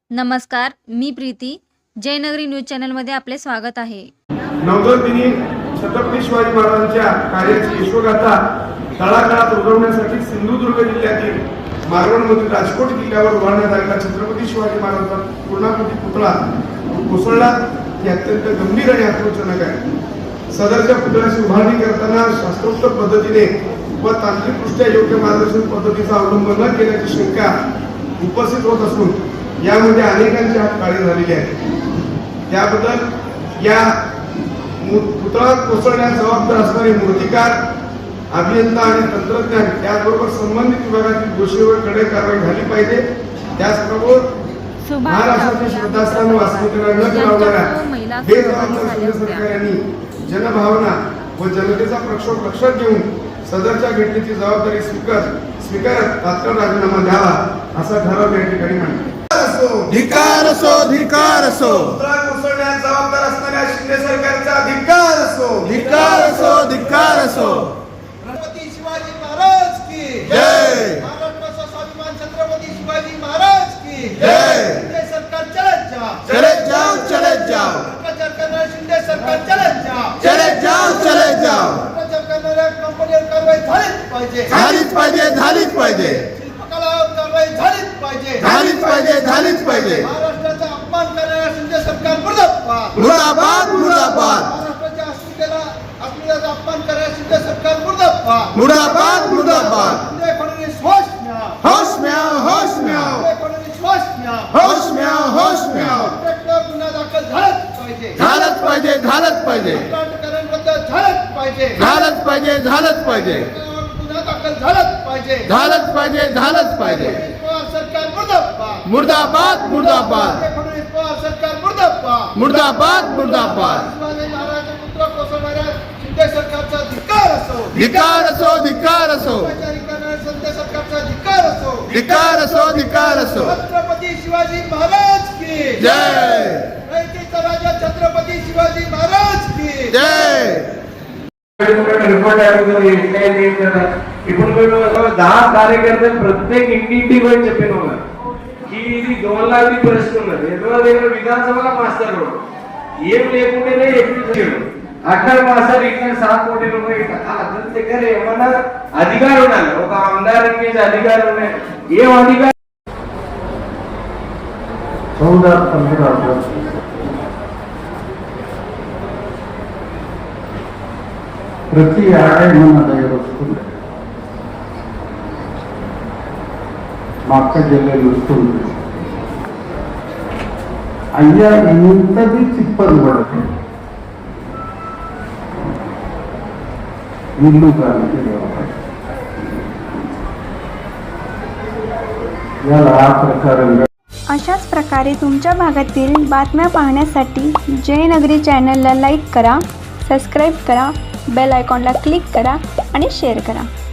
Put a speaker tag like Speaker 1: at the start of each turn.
Speaker 1: नमस्कार, मी प्रीती. जयनगरी न्यूज चॅनलमध्ये आपले स्वागत आहे.
Speaker 2: नवदोदिनी छत्रपती शिवाजी महाराजांच्या कार्याची यशोगाथा तळागाळात रुजवण्यासाठी सिंधुदुर्ग जिल्ह्यातील मालवणमधील राजकोट किल्ल्यावर उभारण्यात आलेला छत्रपती शिवाजी महाराजांचा पूर्णाकृती पुतळा कोसळला ही अत्यंत गंभीर आणि आक्रोशजनक आहे. सदरच्या पुतळ्याची उभारणी करताना शास्त्रोक्त पद्धतीने व तांत्रिकदृष्ट्या योग्य मार्गदर्शन पद्धतीचा अवलंब न केल्याची शंका उपस्थित होत असून यामध्ये अनेकांचे हात काळे झालेले आहेत. त्याबद्दल या पुतळा कोसळण्यास जबाबदार असणारे मूर्तिकार, अभियंता आणि तंत्रज्ञान त्याचबरोबर संबंधित विभागातील दोषीवर कडक कारवाई झाली पाहिजे. त्याचबरोबर महाराष्ट्रातील श्रद्धास्थान वास्तविकता न करावणाऱ्या बेजबाबदार सरकारांनी जनभावना व जनतेचा प्रक्षोभ लक्षात घेऊन सदरच्या घटनेची जबाबदारी स्वीकारत तात्काळ राजीनामा द्यावा असा ठराव या ठिकाणी मांडला.
Speaker 3: धिक्कार असो, धिक्कार असो,
Speaker 2: पुतळा कोसळण्यास जबाबदार असणाऱ्या शिंदे सरकारचा धिक्कार असो,
Speaker 3: धिक्कार असो, धिक्कार असो.
Speaker 4: छत्रपती शिवाजी महाराज की
Speaker 3: जय.
Speaker 4: महाराष्ट्राचा स्वाभिमान छत्रपती शिवाजी महाराज की
Speaker 3: जय.
Speaker 4: शिंदे सरकार चलत जा,
Speaker 3: चले जाओ, चले जाओ,
Speaker 4: भ्रष्टाचार करणारे शिंदे सरकार चलत जा,
Speaker 3: चले जाओ, चले जाओ.
Speaker 4: भ्रष्टाचार करणाऱ्या कंपनीवर कारवाई झालीच पाहिजे,
Speaker 3: झालीच पाहिजे, झालीच पाहिजे,
Speaker 4: शिल्पकलावर कारवाई झालीच पाहिजे,
Speaker 3: झालीच पाहिजे, झालीच पाहिजे.
Speaker 4: महाराष्ट्राचा अपमान करणाऱ्या शिंदे सरकार मुर्दाबाद,
Speaker 3: मुर्दाबाद, मुर्दाबाद,
Speaker 4: महाराष्ट्राच्या अस्मितेचा अपमान करणाऱ्या शिंदे सरकार मुर्दाबाद,
Speaker 3: मुर्दाबाद, मुर्दाबाद.
Speaker 4: शिंदे फडणवीस होश म्या,
Speaker 3: होश म्याव, होश म्याव,
Speaker 4: शिंदे फडणवीस होश म्या,
Speaker 3: होश म्याव, होश म्याव.
Speaker 4: प्रत्येक गुन्हा दाखल झालाच पाहिजे,
Speaker 3: झालंच पाहिजे, झालंच पाहिजे,
Speaker 4: कर्नाटकरांबद्दल झालंच पाहिजे,
Speaker 3: झालंच पाहिजे, झालंच पाहिजे,
Speaker 4: गुन्हा दाखल झालाच पाहिजे,
Speaker 3: झालंच पाहिजे, झालंच पाहिजे.
Speaker 4: पवार सरकार मुर्दाबाद,
Speaker 3: मुर्दाबाद, मुर्दाबाद,
Speaker 4: फडणवीस पवार सरकार मुर्दाबाद,
Speaker 3: मुर्दाबाद, मुर्दाबाद.
Speaker 4: शिवाजी महाराजांचा पुत्र कोसळणाऱ्या शिंदे सरकारचा धिक्कार असो,
Speaker 3: धिक्कार असो, धिक्कार असो,
Speaker 4: भ्रष्टाचारी करणाऱ्या शिंदे सरकारचा धिक्कार असो,
Speaker 3: धिक्कार असो, धिक्कार असो.
Speaker 4: छत्रपती शिवाजी महाराज की
Speaker 3: जय.
Speaker 4: रयतेचा राजा छत्रपती शिवाजी महाराज की
Speaker 3: जय.
Speaker 5: रिपोर्ट ఇప్పుడు 10 కార్యకర్తలు ప్రత్యేక ఇంటింటికి పోయి చెప్పిన ఈ ఇది గవర్నర్ ప్రశ్న ఉన్నది ఎన్నో దగ్గర విధానసభలో మాస్టర్ ఏం లేకుంటేనే ఎక్కించాడు అక్కడ మాస్టర్ ఇక్కడ 7 కోటి రూపాయలు అతని దగ్గర ఏమన్నా అధికారం ఉండాలి ఒక ఆమదారానికి అధికారం ఉన్నాయి ఏం అధికారం
Speaker 6: 14-15 ప్రతి ఏడాది మన దగ్గర వస్తుంది. మా అక్క చెల్లెలు వస్తుంది. అయ్యా ఇంతది చిప్పలు పడదు ఇల్లు కానీ याला ఆ प्रकारे
Speaker 7: अशाच प्रकारे तुमच्या भागातील बातम्या पाहण्यासाठी जयनगरी चॅनलला लाईक करा, सबस्क्राईब करा, बेल आयकॉनला क्लिक करा आणि शेअर करा.